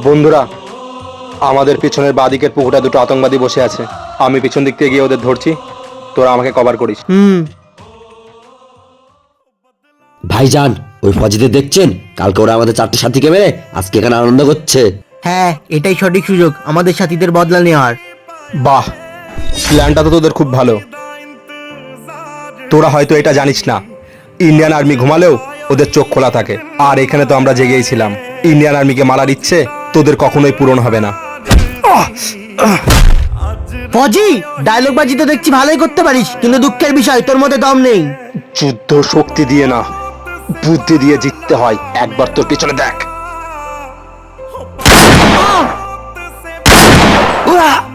বন্ধুরা, আমাদের পিছনের বাঁদিকের পুকুরটা দুটো আতঙ্কবাদী বসে আছে। আমি পিছন দিক থেকে গিয়ে ওদের ধরছি, তোরা আমাকে কভার করিস। ভাইজান, ওই ফজিদের দেখছেন? কালকে ওরা আমাদের 4টে সাথীকে মেরে আজকে এখানে আনন্দ করছে। হ্যাঁ, এটাই সঠিক সুযোগ আমাদের সাথীদের বদলা নেওয়ার। বাহ, প্ল্যানটা তো তোদের খুব ভালো। তোরা হয়তো এটা জানিস না, ইন্ডিয়ান আর্মি ঘুমালেও ওদের চোখ খোলা থাকে। আর এখানে তো আমরা জেগেই ছিলাম। ইন্ডিয়ান আর্মিকে মারার ইচ্ছে তোদের কখনোই পূরণ হবে না। ফজি, ডায়লগ বাজি তো দেখছি ভালোই করতে পারিস, কিন্তু দুঃখের বিষয় তোর মধ্যে দম নেই। যুদ্ধ শক্তি দিয়ে না, বুদ্ধি দিয়ে জিততে হয়। একবার তোর পিছনে দেখ।